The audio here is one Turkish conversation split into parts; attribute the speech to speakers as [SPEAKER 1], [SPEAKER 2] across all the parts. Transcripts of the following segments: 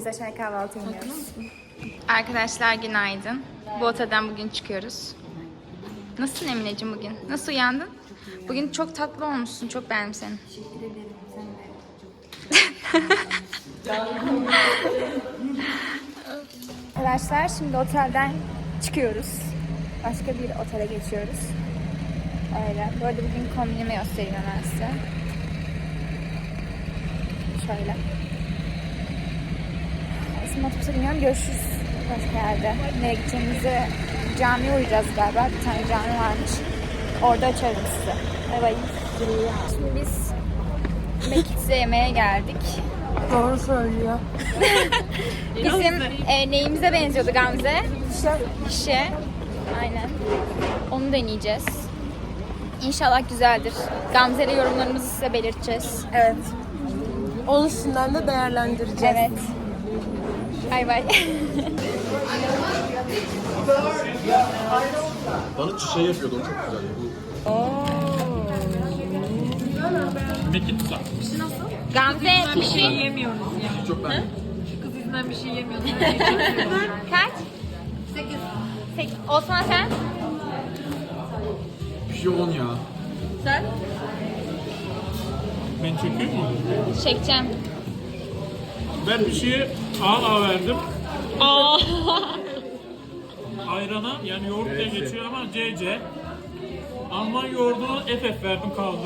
[SPEAKER 1] Biz aşağı kahvaltı iniyoruz.
[SPEAKER 2] Arkadaşlar günaydın. Bu otelden bugün çıkıyoruz. Nasılsın Emineciğim bugün? Nasıl uyandın? Bugün çok tatlı olmuşsun. Çok beğendim seni.
[SPEAKER 1] Teşekkür ederim. Arkadaşlar şimdi otelden çıkıyoruz. Başka bir otele geçiyoruz. Öyle. Bu arada bugün kombinimi göstereyim hemen size. Şöyle. Şimdi otobüse biniyorum. Görüşürüz başka yerde. Nereye gideceğimizi camiye uğrayacağız galiba. Bir tane cami varmış. Orada açarım size. Bay bay. Şimdi biz Mekik'e yemeğe geldik.
[SPEAKER 3] Doğru söylüyor.
[SPEAKER 1] Bizim neyimize benziyordu Gamze? Şişe. Aynen. Onu deneyeceğiz. İnşallah güzeldir. Gamze ile yorumlarımızı size belirteceğiz.
[SPEAKER 3] Evet. Onun üstünden de değerlendireceğiz.
[SPEAKER 1] Evet. Bay bay.
[SPEAKER 4] Bana şey yapıyordu, o çok güzel. Mekitsa.
[SPEAKER 1] Gamze pişi.
[SPEAKER 5] Yemiyoruz ya.
[SPEAKER 4] Çok ben.
[SPEAKER 5] Şu kız yüzünden bir şey yemiyoruz.
[SPEAKER 1] Kaç? 8. Osman sen?
[SPEAKER 4] Bir şey 10 ya.
[SPEAKER 5] Sen?
[SPEAKER 6] Ben çekiyor muyum?
[SPEAKER 1] Çekeceğim.
[SPEAKER 6] Ben bir şeye A verdim. Ayrana yani yoğurt diye geçiyor ama CC. Alman yoğurduna FF verdim kaldı.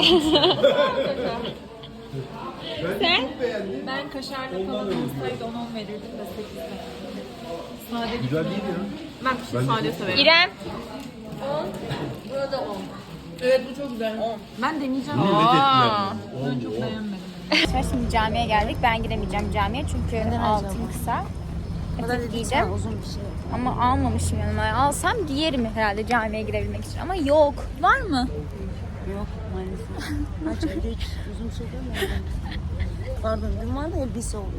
[SPEAKER 1] Sen?
[SPEAKER 5] Ben kaşarlı falan olsaydı 10 verirdim de 8'den. Sade güzel değil ya. Ben pişi sade severim.
[SPEAKER 1] İrem.
[SPEAKER 5] Burada 10. Evet bu çok güzel. 10. Ben deneyeceğim. Ben çok beğenmedim.
[SPEAKER 1] Arkadaşlar şimdi camiye geldik. Ben giremeyeceğim camiye çünkü altım kısa. Etek giyeceğim. Ama almamışım yanıma. Alsam giyerim herhalde camiye girebilmek için. Ama yok. Var mı?
[SPEAKER 3] Yok maalesef. Kaç evde hiç uzun süre mi? Pardon dün vardı elbise oldu.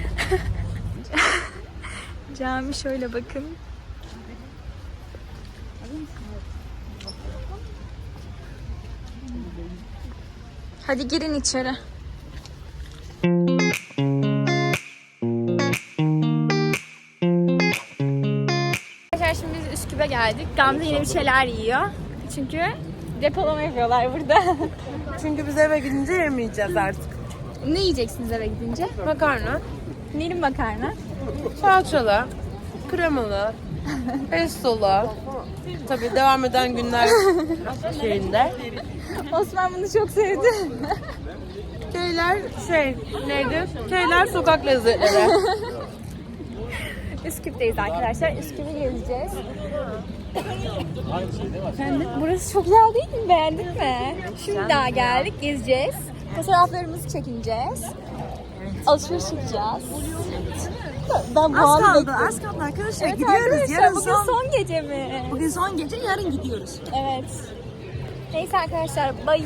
[SPEAKER 1] Cami şöyle bakın. Hadi girin içeri. Arkadaşlar şimdi biz Üsküp'e geldik. Gamze yine bir şeyler yiyor. Çünkü depolama yapıyorlar burada.
[SPEAKER 3] Çünkü biz eve gidince yemeyeceğiz artık.
[SPEAKER 1] Ne yiyeceksiniz eve gidince?
[SPEAKER 3] Makarna,
[SPEAKER 1] Neli makarna?
[SPEAKER 3] salçalı, kremalı, pestolu. Tabii devam eden günler şeyinde.
[SPEAKER 1] Osman bunu çok sevdi.
[SPEAKER 3] Şeyler neydi? Şeyler sokak lezzetleri.
[SPEAKER 1] Üsküp'teyiz arkadaşlar. Üsküp'ü gezeceğiz. Efendim, burası çok güzel değil mi? Beğendin mi? Şimdi daha geldik, gezeceğiz. Fotoğraflarımızı çekineceğiz. Alışveriş yapacağız. Ben bu
[SPEAKER 3] Az
[SPEAKER 1] anı
[SPEAKER 3] kaldı
[SPEAKER 1] bekliyorum.
[SPEAKER 3] arkadaşlar.
[SPEAKER 1] Evet
[SPEAKER 3] Gidiyoruz.
[SPEAKER 1] arkadaşlar,
[SPEAKER 3] Yarın
[SPEAKER 1] bugün son gece mi?
[SPEAKER 3] Bugün son gece, yarın gidiyoruz.
[SPEAKER 1] Evet. Neyse arkadaşlar, bye.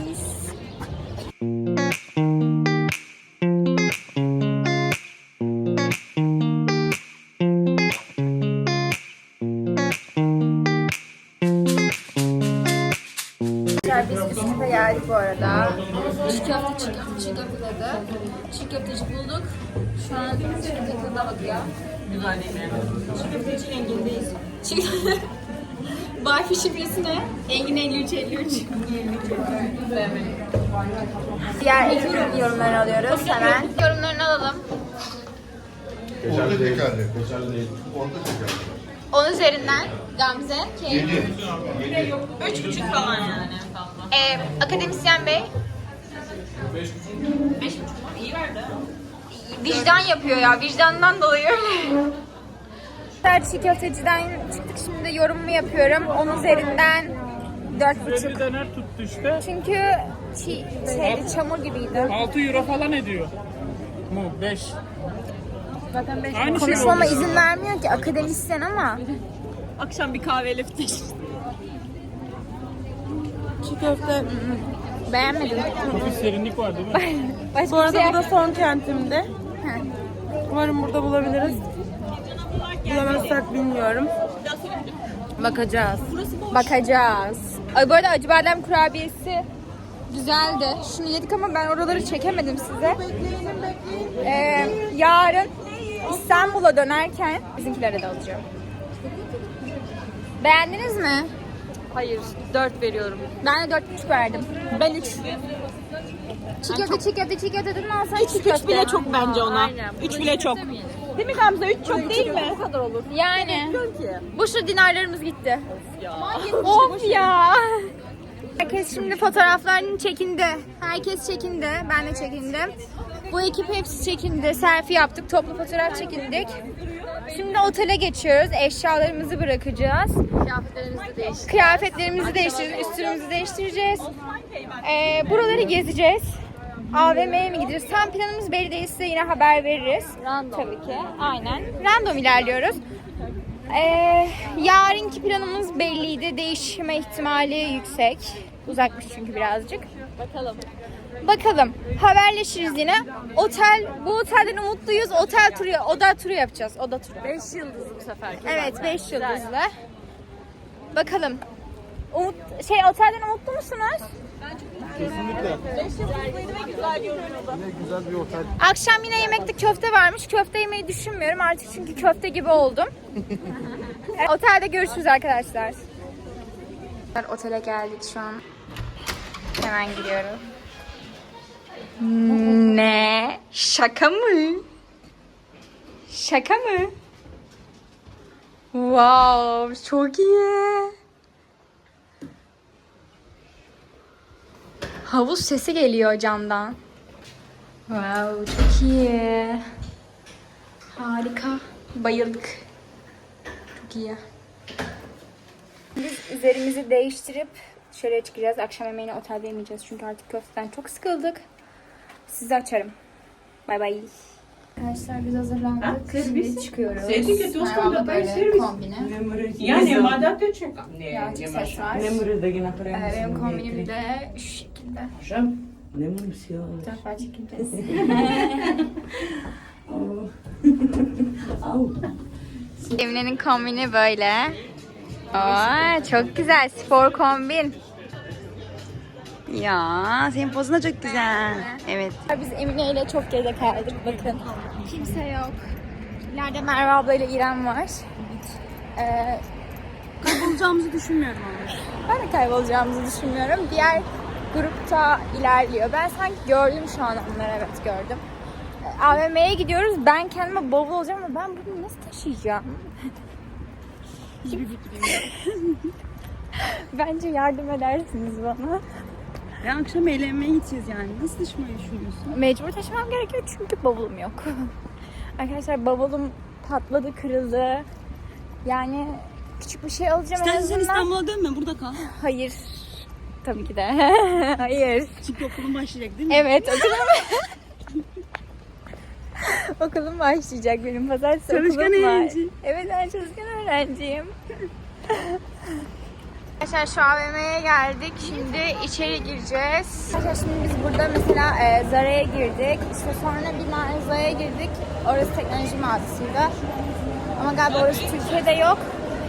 [SPEAKER 1] Biz Üsküp'e geldik bu arada. Çiğ köfte dedi. Çiğ köfteci bulduk. Şu an çiğ köfte tadına bakıyor.
[SPEAKER 5] Güzel değil mi? Çiğ köfteci Engin'deyiz.
[SPEAKER 1] Wi-Fi şifresi ne? Engin 5353. Diğer ekip yorumlarını alıyoruz hemen. Yorumlarını alalım.
[SPEAKER 4] Orada şekerli. Kaşarlı değil. Orada şekerli.
[SPEAKER 1] 10 üzerinden Gamze, Keyif.
[SPEAKER 5] 3,5 falan yani.
[SPEAKER 1] Akademisyen Bey.
[SPEAKER 5] 5,5 iyi verdi.
[SPEAKER 1] Vicdan yapıyor ya. Vicdandan dolayı öyle. Çiğ köfteciden çıktık. Şimdi yorumumu yapıyorum. 10 üzerinden 4,5.
[SPEAKER 6] Bir döner tuttu işte.
[SPEAKER 1] Çünkü çamur gibiydi.
[SPEAKER 6] 6 euro falan ediyor. Mu 5.
[SPEAKER 5] Zaten 5.
[SPEAKER 6] Aynı şey
[SPEAKER 1] Konuşmama
[SPEAKER 6] oldu.
[SPEAKER 1] izin vermiyor ki akademisyen ama.
[SPEAKER 5] Akşam bir kahve lifte.
[SPEAKER 3] Çiğ köfte.
[SPEAKER 1] Beğenmedim.
[SPEAKER 6] Hafif serinlik var değil mi?
[SPEAKER 1] Başka
[SPEAKER 3] Bu arada
[SPEAKER 1] bir şey
[SPEAKER 3] bu da son kentimde. Umarım burada bulabiliriz. Bulamazsak bilmiyorum. Bakacağız.
[SPEAKER 1] bakacağız. Ay bu arada acı badem kurabiyesi güzeldi. Şunu yedik ama ben oraları çekemedim size. Yarın İstanbul'a dönerken bizimkilere de alacağım. Beğendiniz mi?
[SPEAKER 5] Hayır, 4 veriyorum.
[SPEAKER 1] Ben de 4,5 verdim.
[SPEAKER 5] Ben 3.
[SPEAKER 1] Çiğ köfte dedin alsana çiğ köfte.
[SPEAKER 3] 3 bile çok bence ona.
[SPEAKER 5] Aynen.
[SPEAKER 3] 3 bile çok. Değil mi Gamze? 3 çok değil mi?
[SPEAKER 5] Bu kadar olur.
[SPEAKER 1] Yani.
[SPEAKER 3] Ki.
[SPEAKER 1] Bu şu dinarlarımız gitti. Of ya. Herkes şimdi fotoğraflarını çekindi. Herkes çekindi. Ben de çekindim. Bu ekip hepsi çekindi. Selfie yaptık. Toplu fotoğraf çekindik. Şimdi otele geçiyoruz. Eşyalarımızı bırakacağız. Kıyafetlerimizi değiştireceğiz. Üstümüzü değiştireceğiz. Buraları gezeceğiz. AVM'ye mi gideceğiz? Tam planımız belli değil. Size yine haber veririz. Tabii ki. Aynen. Random ilerliyoruz. Yarınki planımız belliydi. Değişme ihtimali yüksek. Uzakmış çünkü birazcık. Bakalım. Haberleşiriz yine. Bu otelden umutluyuz. Oda turu yapacağız. Oda turu.
[SPEAKER 5] 5 yıldızlı bu sefer.
[SPEAKER 1] Evet, 5 yıldızlı. Bakalım. Otelden umutlu musunuz?
[SPEAKER 4] Kesinlikle.
[SPEAKER 3] 5 yıldızlıydı ve güzel görünüyordu.
[SPEAKER 4] Yine güzel bir otel.
[SPEAKER 1] Akşam yine yemekte köfte varmış. Köfte yemeyi düşünmüyorum artık çünkü köfte gibi oldum. Otelde görüşürüz arkadaşlar. Otele geldik şu an. Hemen giriyorum. Ne? Şaka mı? Şaka mı? Wow, çok iyi. Havuz sesi geliyor camdan. Wow, çok iyi. Harika. Bayıldık. Çok iyi. Biz üzerimizi değiştirip dışarıya çıkacağız. Akşam yemeğini otelde yemeyeceğiz. Çünkü artık köfteden çok sıkıldık. Sizi açarım. Bay bay. Arkadaşlar biz hazırlandık. Şimdi çıkıyoruz. Merhaba böyle kombine.
[SPEAKER 7] Я нема да ты чека.
[SPEAKER 1] Birazcık ses var.
[SPEAKER 7] да ги направим.
[SPEAKER 1] Benim kombinim de şu şekilde.
[SPEAKER 7] Не можем си.
[SPEAKER 1] Bu tarafa çekeceğiz. Emine'nin kombini böyle. Aa, çok güzel spor kombin.
[SPEAKER 3] Ya senin pozun da çok güzel. Evet.
[SPEAKER 1] Biz Emine ile çok geride kaldık. Bakın. Kimse yok. İleride Merve abla ile İrem var.
[SPEAKER 3] Kaybolacağımızı düşünmüyorum ama.
[SPEAKER 1] Ben de kaybolacağımızı düşünmüyorum. Diğer grupta ilerliyor. Ben sanki gördüm şu an onları. Evet gördüm. AVM'ye gidiyoruz. Ben kendime bavul olacağım ama ben bunu nasıl taşıyacağım?
[SPEAKER 3] Hiçbir fikrim yok.
[SPEAKER 1] Bence yardım edersiniz bana.
[SPEAKER 3] Ya akşam eğlenmeye gideceğiz yani. Nasıl taşımayı düşünüyorsun?
[SPEAKER 1] Mecbur taşımam gerekiyor çünkü bavulum yok. Arkadaşlar bavulum patladı, kırıldı. Yani küçük bir şey alacağım en
[SPEAKER 3] İstersen sen
[SPEAKER 1] azından.
[SPEAKER 3] İstanbul'a dönme, burada kal.
[SPEAKER 1] Hayır. Tabii ki de. Hayır.
[SPEAKER 3] Çünkü okulun başlayacak değil mi?
[SPEAKER 1] Evet, okulum başlayacak benim. Pazartesi
[SPEAKER 3] Çalışkan
[SPEAKER 1] okulum var.
[SPEAKER 3] öğrenci.
[SPEAKER 1] Evet, ben çalışkan öğrenciyim. Arkadaşlar şu AVM'ye geldik. Şimdi içeri gireceğiz. Arkadaşlar şimdi biz burada mesela Zara'ya girdik. İşte sonra bir mağazaya girdik. Orası teknoloji mağazasıydı. Ama galiba orası Türkiye'de yok.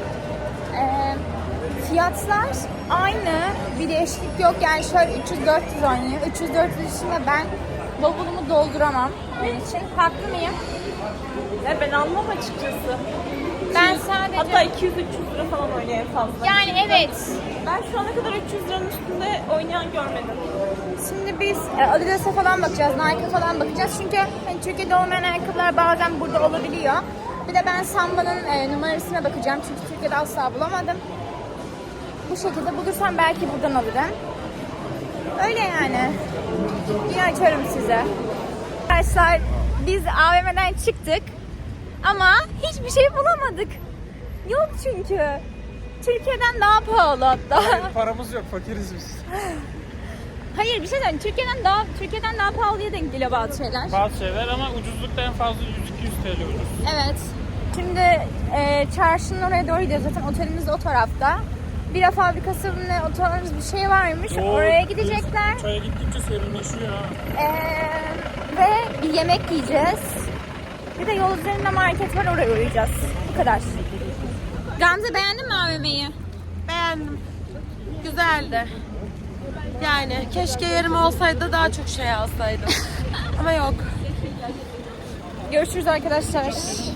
[SPEAKER 1] Fiyatlar aynı. Bir değişiklik yok. Yani şöyle 300-400 oynuyor. 300-400 içinde ben bavulumu dolduramam. Onun için. Haklı mıyım?
[SPEAKER 3] Ya ben almam açıkçası.
[SPEAKER 1] Ben sadece...
[SPEAKER 3] Hatta 200-300 lira falan oynuyor en fazla.
[SPEAKER 1] Yani evet.
[SPEAKER 3] Ben şu ana kadar 300 liranın üstünde oynayan görmedim.
[SPEAKER 1] Şimdi biz Adidas'a falan bakacağız, Nike'a falan bakacağız. Çünkü hani Türkiye'de olmayan ayakkabılar bazen burada olabiliyor. Bir de ben Samba'nın numarasına bakacağım. Çünkü Türkiye'de asla bulamadım. Bu şekilde bulursam belki buradan alırım. Öyle yani. Yine açarım size. Arkadaşlar biz AVM'den çıktık. Ama hiçbir şey bulamadık. Yok çünkü. Türkiye'den daha pahalı hatta.
[SPEAKER 6] Paramız yok, fakiriz biz.
[SPEAKER 1] Hayır bir şey söyleyeyim. Türkiye'den daha pahalıya denk geliyor bazı şeyler.
[SPEAKER 6] Bazı şeyler ama ucuzlukta en fazla 100-200 TL ucuz.
[SPEAKER 1] Evet. Şimdi çarşının oraya doğru gidiyoruz. Zaten otelimiz de o tarafta. Bira fabrikasının o tarz bir şey varmış. Oraya gidecekler.
[SPEAKER 6] Çaya gittikçe serinleşiyor ha.
[SPEAKER 1] Ve bir yemek yiyeceğiz. Bir de yol üzerinde market var, oraya uğrayacağız. Bu kadar. Gamze beğendin mi AVM'yi?
[SPEAKER 8] Beğendim. Güzeldi. Yani keşke yerim olsaydı daha çok şey alsaydım. Ama yok.
[SPEAKER 1] Görüşürüz arkadaşlar.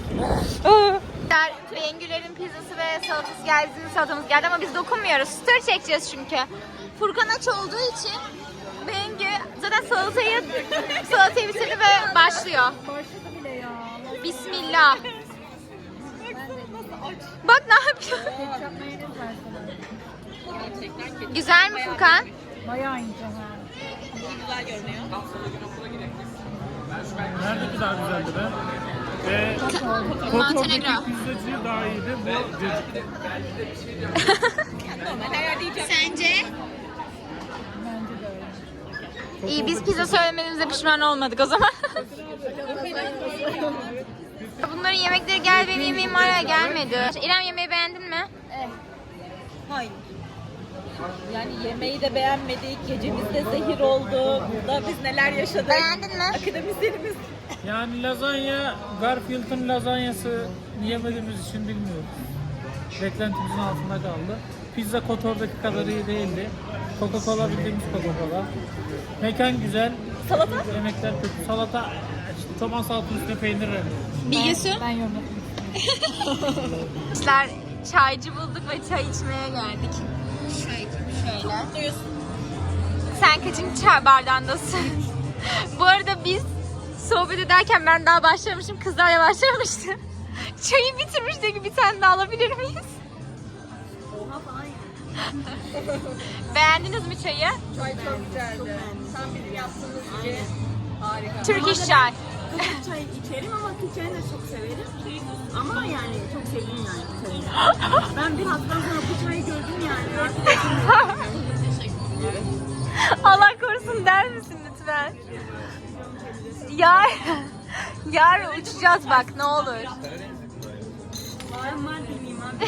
[SPEAKER 1] Bengüler'in pizzası ve salatası geldi, salatamız geldi ama biz dokunmuyoruz. Story çekeceğiz çünkü. Furkan aç olduğu için Bengü zaten salatayı bitirdi ve başlıyor. Başladı bile ya. Bismillah. Bak ne yapıyor? Güzel mi Furkan?
[SPEAKER 5] Bayağı ince ha.
[SPEAKER 6] Nerede kadar güzeldi be? Ve Kotor'daki pizzacı daha iyiydi. Bu cacık.
[SPEAKER 1] Sence? İyi, biz pizza söylemediğimize pişman olmadık o zaman. Bunların yemekleri gel benim yemeğim hala gelmedi. İrem, yemeği beğendin mi?
[SPEAKER 5] Hayır. Yani yemeği de beğenmedik. Gecemiz de zehir oldu. Burada biz neler yaşadık.
[SPEAKER 1] Beğendin mi?
[SPEAKER 5] Akademisyenimiz.
[SPEAKER 6] Yani lazanya, Garfield'ın lazanyası yemediğimiz için bilmiyorum. Beklentimizin altında kaldı. Pizza Kotor'daki kadar iyi değildi. Coca-Cola bildiğimiz Coca-Cola. Mekan güzel.
[SPEAKER 5] Salata?
[SPEAKER 6] Yemekler kötü. Salata, işte tomat salatanın üstüne peynir rengi.
[SPEAKER 1] Bilgisi?
[SPEAKER 5] Ben yorum
[SPEAKER 1] Arkadaşlar, çaycı bulduk ve çay içmeye geldik. Şöyle. Sen kaçıncı çay bardağındasın? Bu arada biz sohbet ederken ben daha başlamışım, kızlar başlamıştı. Çayı bitirmiş, diyor ki bir tane daha alabilir miyiz?
[SPEAKER 5] Oha falan.
[SPEAKER 1] Beğendiniz mi çayı?
[SPEAKER 5] Çay çok güzeldi. Tam bizim yaptığımız gibi. Harika.
[SPEAKER 1] Türk iş çay.
[SPEAKER 3] Çay içerim ama Türk çayını da çok severim. Ama yani çok sevdim yani çayını. Ben bir haftadan sonra bu çayı gördüm yani.
[SPEAKER 1] Allah korusun der misin lütfen? Yarın uçacağız bak, ne olur.
[SPEAKER 3] Ben var demeyeyim abi.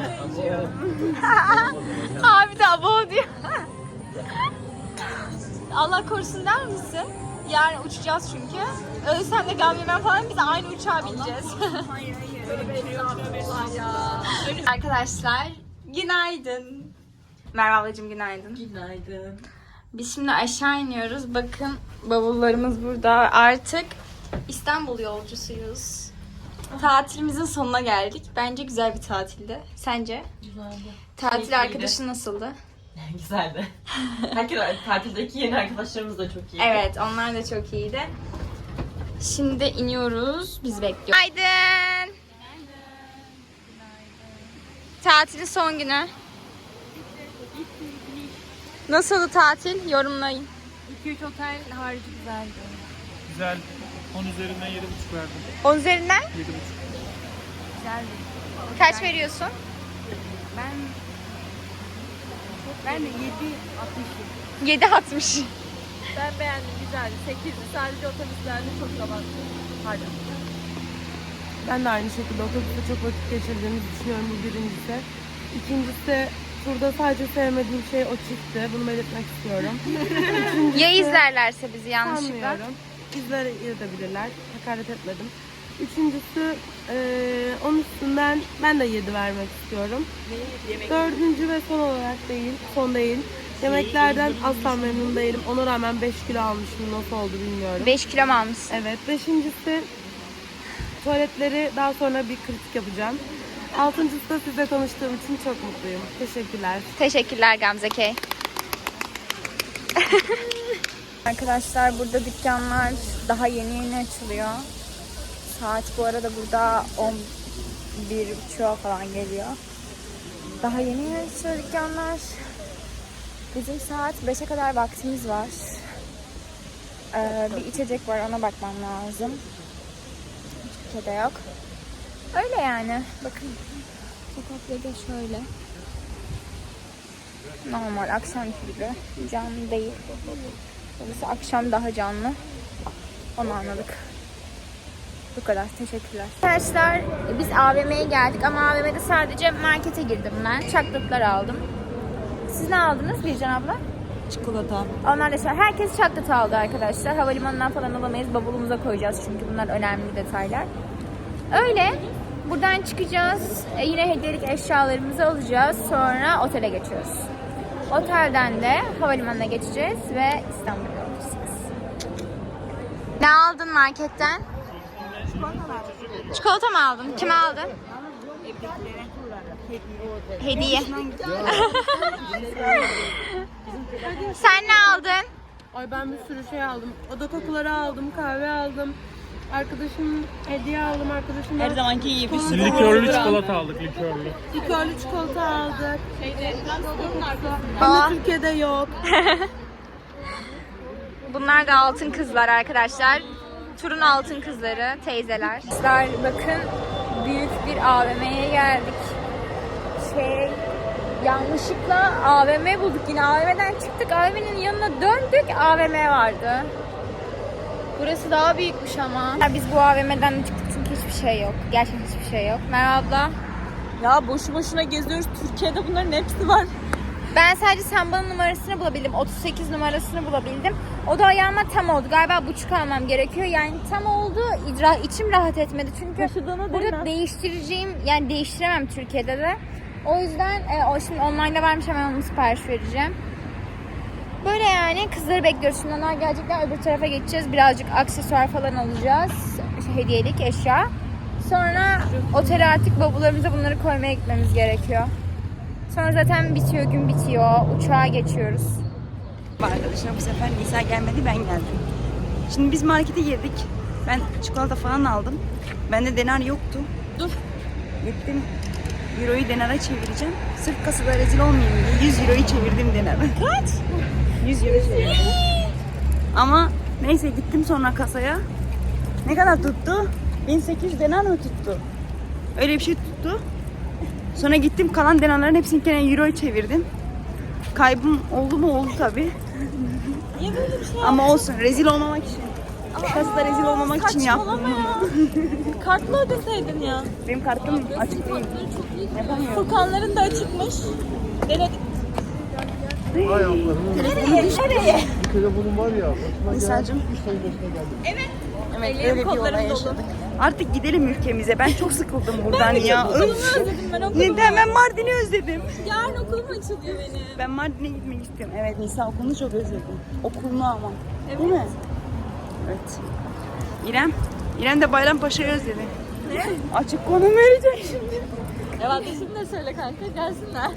[SPEAKER 1] Abi de abo diyor. Allah korusun der misin? Yarın uçacağız çünkü. Ölsem de gam yemem falan, biz aynı uçağa bineceğiz.
[SPEAKER 3] Hayır öyle bir şey yok.
[SPEAKER 1] Arkadaşlar günaydın. Merve ablacığım günaydın.
[SPEAKER 3] Günaydın.
[SPEAKER 1] Biz şimdi aşağı iniyoruz. Bakın bavullarımız burada. Artık İstanbul yolcusuyuz. Tatilimizin sonuna geldik. Bence güzel bir tatildi. Sence?
[SPEAKER 9] Güzeldi.
[SPEAKER 1] Tatil arkadaşın nasıldı?
[SPEAKER 9] Güzeldi. Herkes tatildeki yeni arkadaşlarımız da çok iyiydi.
[SPEAKER 1] Evet, onlar da çok iyiydi. Şimdi iniyoruz. Biz bekliyoruz. Günaydın. Tatilin son günü. Nasıldı tatil? Yorumlayın.
[SPEAKER 5] 2-3 otel harici güzeldi.
[SPEAKER 6] Güzel. 10 üzerinden 7,5 verdim.
[SPEAKER 1] 10 üzerinden
[SPEAKER 6] 7,5.
[SPEAKER 5] Güzeldi.
[SPEAKER 1] kaç veriyorsun?
[SPEAKER 5] Ben de 7-60.
[SPEAKER 1] 7.60.
[SPEAKER 5] Ben beğendim, güzeldi. 8'di. Sadece otobüslerde çok kabattı. Hadi.
[SPEAKER 8] Ben de aynı şekilde otobüste çok vakit geçirdiğimizi düşünüyorum, bu birincisi. İkincisi, turda sadece sevmediğim şey o çiftti. Bunu belirtmek istiyorum.
[SPEAKER 1] Ya izlerlerse bizi yanlışlıkla?
[SPEAKER 8] Sanmıyorum. İzleyebilirler. Hakaret etmedim. Üçüncüsü, onun üstünden ben de 7 vermek istiyorum. Dördüncü ve son olarak değil, son değil. Yemeklerden asla memnun değilim. Ona rağmen 5 kilo almışım. Nasıl oldu bilmiyorum.
[SPEAKER 1] 5 kilo mu almışsın?
[SPEAKER 8] Evet. Beşincisi, tuvaletleri daha sonra bir kritik yapacağım. Altıncısı da sizle tanıştığım için çok mutluyum. Teşekkürler.
[SPEAKER 1] Teşekkürler Gamze K. Arkadaşlar burada dükkanlar daha yeni açılıyor. Saat bu arada burada 11.30'a falan geliyor. Daha yeni açılıyor dükkanlar. Bizim saat 5'e kadar vaktimiz var. Bir içecek var, ona bakmam lazım. Hiçbir şey de yok. Öyle yani. Bakın. Sokakları da şöyle. Normal akşamki gibi. Canlı değil. Burası akşam daha canlı. Onu anladık. Bu kadar. Teşekkürler. Arkadaşlar biz AVM'ye geldik ama AVM'de sadece markete girdim ben. Çaklıklar aldım. Siz ne aldınız Bircan abla?
[SPEAKER 3] Çikolata.
[SPEAKER 1] Onlar da herkes çaklata aldı arkadaşlar. Havalimanından falan alamayız. Bavulumuza koyacağız çünkü bunlar önemli detaylar. Öyle. Buradan çıkacağız. Yine hediyelik eşyalarımızı alacağız. Sonra otele geçiyoruz. Otelden de havalimanına geçeceğiz ve İstanbul'a gideceğiz. Ne aldın marketten?
[SPEAKER 2] Çikolata mı aldın? Kime aldın? Hediye. Sen ne aldın?
[SPEAKER 8] Ay ben bir sürü şey aldım. Oda kokuları aldım, kahve aldım. Arkadaşım hediye aldım. Arkadaşım
[SPEAKER 9] Her zamanki gibi.
[SPEAKER 6] Likörlü çikolata aldık, likörlü.
[SPEAKER 8] likörlü çikolata aldık.
[SPEAKER 2] Aa.
[SPEAKER 8] Ama Türkiye'de yok.
[SPEAKER 2] Bunlar da altın kızlar arkadaşlar. Turun altın kızları, teyzeler.
[SPEAKER 1] Kızlar bakın büyük bir AVM'ye geldik. Yanlışlıkla AVM bulduk, yine AVM'den çıktık, AVM'nin yanına döndük, AVM vardı. Burası daha büyükmüş ama. Biz bu AVM'den de çıktık çünkü hiçbir şey yok. Gerçekten hiçbir şey yok. Merhaba abla.
[SPEAKER 3] Ya boşu boşuna geziyoruz. Türkiye'de bunların hepsi var.
[SPEAKER 1] Ben sadece Samba'nın numarasını bulabildim. 38 numarasını bulabildim. O da ayağıma tam oldu. Galiba buçuk almam gerekiyor. Yani tam oldu. İçim rahat etmedi. Çünkü burada değiştireceğim, yani değiştiremem Türkiye'de de. O yüzden şimdi online'da varmış, hemen onu sipariş vereceğim. Böyle yani kızları bekliyoruz. Şimdi onlar gelecekler, öbür tarafa geçeceğiz. Birazcık aksesuar falan alacağız. Hediyelik eşya. Sonra otele artık bavullarımıza bunları koymaya gitmemiz gerekiyor. Sonra zaten bitiyor, gün bitiyor. Uçağa geçiyoruz.
[SPEAKER 9] Arkadaşlar bu sefer Nisa gelmedi, ben geldim. Şimdi biz markete girdik. Ben çikolata falan aldım. Bende denar yoktu. Dur. Gittim. Euroyu denara çevireceğim. Sırf kasada rezil olmayayım diye 100 euroyu çevirdim denara. Kaç? 100 euro çevirdim. Ama neyse gittim sonra kasaya. Ne kadar tuttu? 1800 denar mı tuttu? Öyle bir şey tuttu. Sonra gittim kalan denarların hepsini gene euroya çevirdim. Kaybım oldu mu? Oldu tabii.
[SPEAKER 3] Niye böyle bir şey
[SPEAKER 9] Ama olsun, rezil olmamak için. Kasada rezil olmamak için yaptım.
[SPEAKER 3] Kartla ödeseydin ya.
[SPEAKER 9] Benim kartım açık değil. Yapamıyorum.
[SPEAKER 3] Furkanların da açıkmış. Denedik.
[SPEAKER 4] Hay Allah'ım.
[SPEAKER 3] Nereye?
[SPEAKER 4] Bir telefonum var ya.
[SPEAKER 9] Nisa'cığım.
[SPEAKER 3] Evet.
[SPEAKER 9] Evet, öyle bir olay yaşadık. Artık gidelim ülkemize. Ben çok sıkıldım buradan ya.
[SPEAKER 3] Okulumu özledim ben, okulumu.
[SPEAKER 9] Neden? Ben Mardin'i özledim.
[SPEAKER 3] Yarın okulum açılıyor benim.
[SPEAKER 9] Ben Mardin'e gitmek istiyorum. Evet, Nisa okulunu çok özledim. Okulunu ama. Evet. Değil mi? Evet. İrem de Bayrampaşa'yı özledi. Ne? Açık konum vereceğim şimdi.
[SPEAKER 3] Adresini de söyle kanka, gelsinler.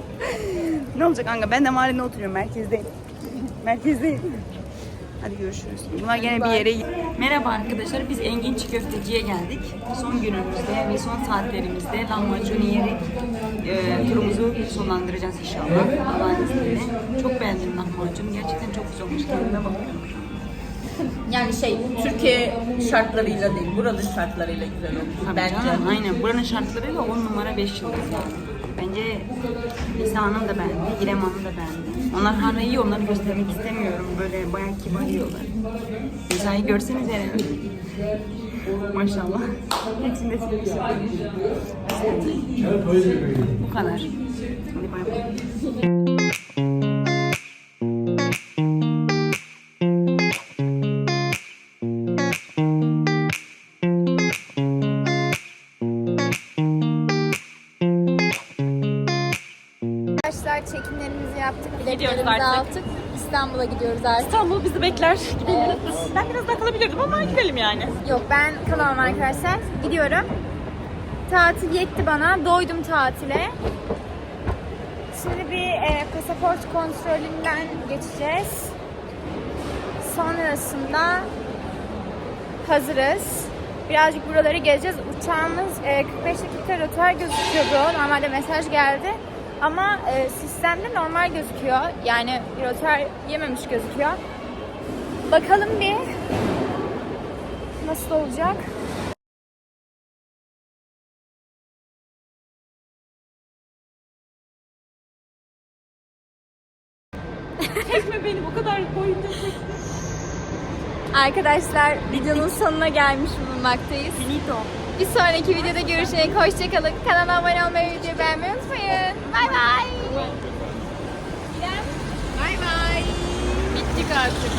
[SPEAKER 9] Ne olacak kanka? Ben de Mardin'de oturuyorum. Merkezdeyim. Merkezdeyim. Hadi görüşürüz. Bunlar gene bir yere gidiyor. Merhaba arkadaşlar. Biz Engin Çiğ Köfteci'ye geldik. Son günümüzde ve son saatlerimizde lahmacun yiyerek turumuzu sonlandıracağız inşallah. Allah'ın izniyle. Çok beğendim lahmacunu. Gerçekten çok güzel olmuş. Kendime bakıyorum şu an.
[SPEAKER 3] Yani Türkiye şartlarıyla değil, buranın şartlarıyla güzel olmuş.
[SPEAKER 9] Tabii
[SPEAKER 3] Bence.
[SPEAKER 9] canım, aynen. Buranın şartlarıyla 10 numara 5 yıldız yani. Bence Nisa Hanım da beğendi, İrem Hanım da beğendi. Onlar hala yiyor, onları göstermek istemiyorum. Böyle bayağı kibar yiyorlar. Nisa'yı görseniz yani. Maşallah. Hepsini de seviyorum. Bu kadar. Hadi bay bay.
[SPEAKER 1] Arkadaşlar çekimlerimizi yaptık,
[SPEAKER 3] Gidiyoruz
[SPEAKER 1] biletlerimizi
[SPEAKER 3] artık.
[SPEAKER 1] aldık. İstanbul'a gidiyoruz artık.
[SPEAKER 3] İstanbul bizi bekler. Gidelim. Ben biraz daha kalabilirdim ama gidelim yani.
[SPEAKER 1] Yok, ben kalamam arkadaşlar. Gidiyorum. Tatil yetti bana. Doydum tatile. Şimdi bir pasaport kontrolünden geçeceğiz. Sonrasında hazırız. Birazcık buraları gezeceğiz. Uçağımız 45 dakika rötar gözüküyordu. Normalde mesaj geldi. Ama sistemde normal gözüküyor. Yani bir rötar yememiş gözüküyor. Bakalım bir nasıl olacak.
[SPEAKER 3] Çekme beni, bu kadar boyunca çekme.
[SPEAKER 1] Arkadaşlar videonun sonuna gelmiş bulunmaktayız.
[SPEAKER 9] Finito.
[SPEAKER 1] Bir sonraki videoda görüşmek. Hoşçakalın. Kanala abone olmayı, videoyu beğenmeyi unutmayın. Bay bay. Bay bay.
[SPEAKER 3] Bittik artık.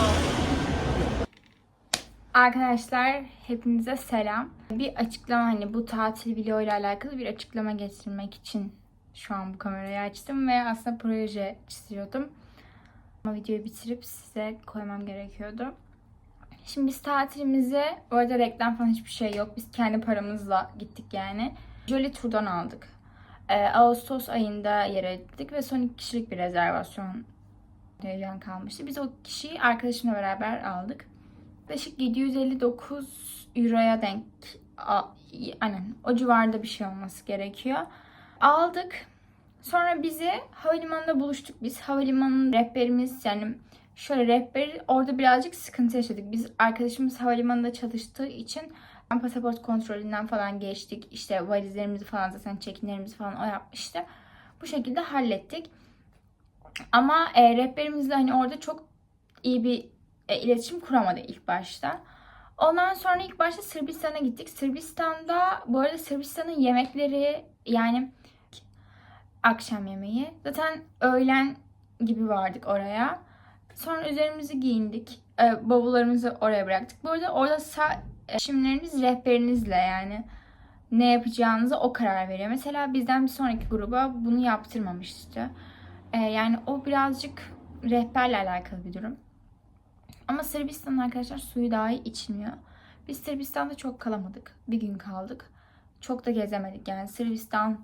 [SPEAKER 2] Arkadaşlar hepinize selam. Bir açıklama, hani bu tatil video ile alakalı bir açıklama getirmek için şu an bu kamerayı açtım ve aslında proje çiziyordum. Ama videoyu bitirip size koymam gerekiyordu. Şimdi biz tatilimizi, bu arada reklam falan hiçbir şey yok. Biz kendi paramızla gittik yani. Jolly Tour'dan aldık. Ağustos ayında yer ettik ve son 2 kişilik bir rezervasyon heyecan kalmıştı. Biz o kişiyi arkadaşımla beraber aldık. Yaklaşık 759 euroya denk, aynen o civarda bir şey olması gerekiyor. Aldık. Sonra bizi havalimanında buluştuk biz. Havalimanının rehberimiz, yani şöyle rehberi orada birazcık sıkıntı yaşadık. Biz arkadaşımız havalimanında çalıştığı için pasaport kontrolünden falan geçtik. İşte valizlerimizi falan, zaten check-inlerimizi falan o yapmıştı. Bu şekilde hallettik. Ama rehberimizle hani orada çok iyi bir iletişim kuramadı ilk başta. Ondan sonra ilk başta Sırbistan'a gittik. Sırbistan'da, bu arada Sırbistan'ın yemekleri, yani akşam yemeği. Zaten öğlen gibi vardık oraya. Sonra üzerimizi giyindik. Bavullarımızı oraya bıraktık. Bu arada orada seçimleriniz rehberinizle, yani ne yapacağınıza o karar veriyor. Mesela bizden bir sonraki gruba bunu yaptırmamıştı. Yani o birazcık rehberle alakalı bir durum. Ama Sırbistan'ın arkadaşlar suyu dahi içmiyor. Biz Sırbistan'da çok kalamadık. Bir gün kaldık. Çok da gezemedik. Yani Sırbistan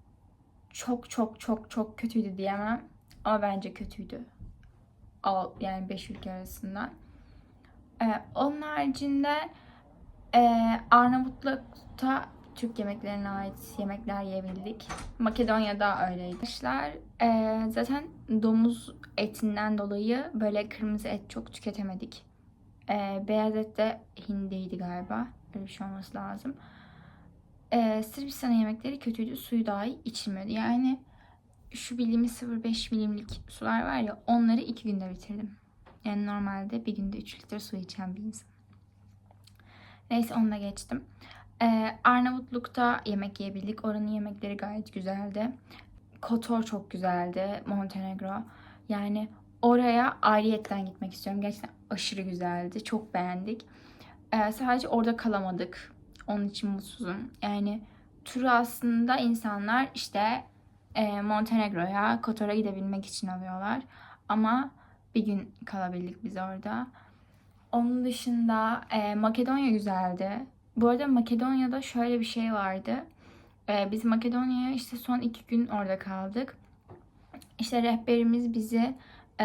[SPEAKER 2] çok kötüydü diyemem. Ama bence kötüydü. Yani 5 ülke arasından. Onun haricinde Arnavutluk'ta Türk yemeklerine ait yemekler yiyebildik. Makedonya'da öyleydi. Arkadaşlar zaten domuz etinden dolayı böyle kırmızı et çok tüketemedik. Beyaz et de hindiydi galiba. Öyle bir şey olması lazım. Sırbistan'ın yemekleri kötüydü. Suyu dahi içilmiyordu. Yani şu bildiğimiz 0,5 milimlik sular var ya, onları 2 günde bitirdim. Yani normalde bir günde 3 litre su içen bir insan. Neyse, onu da geçtim. Arnavutluk'ta yemek yiyebildik. Oranın yemekleri gayet güzeldi. Kotor çok güzeldi. Montenegro. Yani oraya ayrıyetten gitmek istiyorum. Gerçekten aşırı güzeldi. Çok beğendik. Sadece orada kalamadık. Onun için mutsuzum. Yani turu aslında insanlar işte Montenegro'ya, Kotor'a gidebilmek için alıyorlar. Ama bir gün kalabildik biz orada. Onun dışında Makedonya güzeldi. Bu arada Makedonya'da şöyle bir şey vardı. Biz Makedonya'ya işte son 2 gün orada kaldık. İşte rehberimiz bizi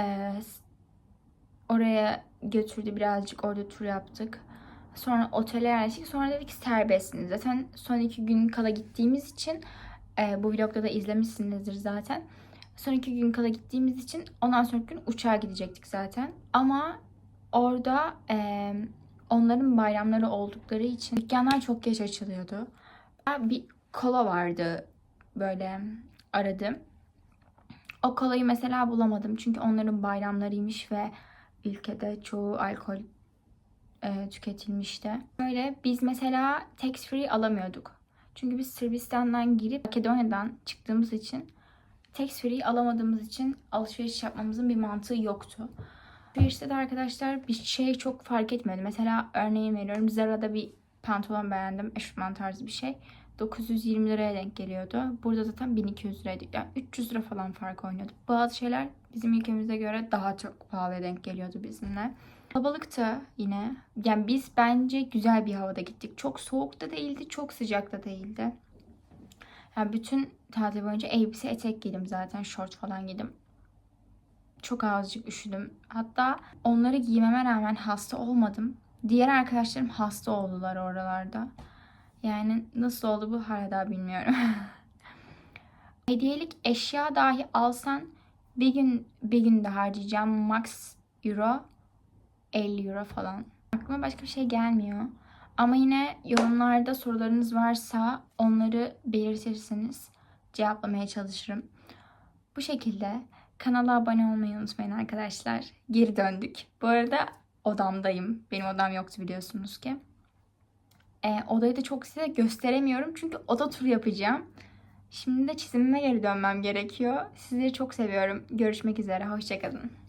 [SPEAKER 2] oraya götürdü. Birazcık orada tur yaptık. Sonra otele yerleştik. Sonra dedik serbestsiniz. Zaten son 2 gün kala gittiğimiz için bu vlogda da izlemişsinizdir zaten. Son 2 gün kala gittiğimiz için ondan sonraki gün uçağa gidecektik zaten. Ama orada onların bayramları oldukları için dükkanlar çok geç açılıyordu. Bir kola vardı, böyle aradım. O kolayı mesela bulamadım. Çünkü onların bayramlarıymış ve ülkede çoğu alkol tüketilmişti. Böyle biz mesela tax free alamıyorduk. Çünkü biz Sırbistan'dan girip Makedonya'dan çıktığımız için tax free alamadığımız için alışveriş yapmamızın bir mantığı yoktu. Alışverişte de arkadaşlar bir şey çok fark etmedi. Mesela örneğin veriyorum, Zara'da bir pantolon beğendim. Eşofman tarzı bir şey. 920 liraya denk geliyordu. Burada zaten 1200 liraydı. Yani 300 lira falan fark oynuyordu. Bazı şeyler bizim ülkemize göre daha çok pahalıya denk geliyordu bizimle. Kalabalıktı yine. Yani biz bence güzel bir havada gittik. Çok soğuk da değildi, çok sıcak da değildi. Yani bütün tatil boyunca elbise, etek giydim zaten. Şort falan giydim. Çok azıcık üşüdüm. Hatta onları giymeme rağmen hasta olmadım. Diğer arkadaşlarım hasta oldular oralarda. Yani nasıl oldu bu hala daha bilmiyorum. Hediyelik eşya dahi alsan bir günde harcayacağım max euro 50 euro falan. Aklıma başka bir şey gelmiyor. Ama yine yorumlarda sorularınız varsa onları belirtirseniz cevaplamaya çalışırım. Bu şekilde kanala abone olmayı unutmayın arkadaşlar. Geri döndük. Bu arada odamdayım. Benim odam yoktu biliyorsunuz ki. Odayı da çok size gösteremiyorum. Çünkü oda turu yapacağım. Şimdi de çizimime geri dönmem gerekiyor. Sizleri çok seviyorum. Görüşmek üzere. Hoşça kalın.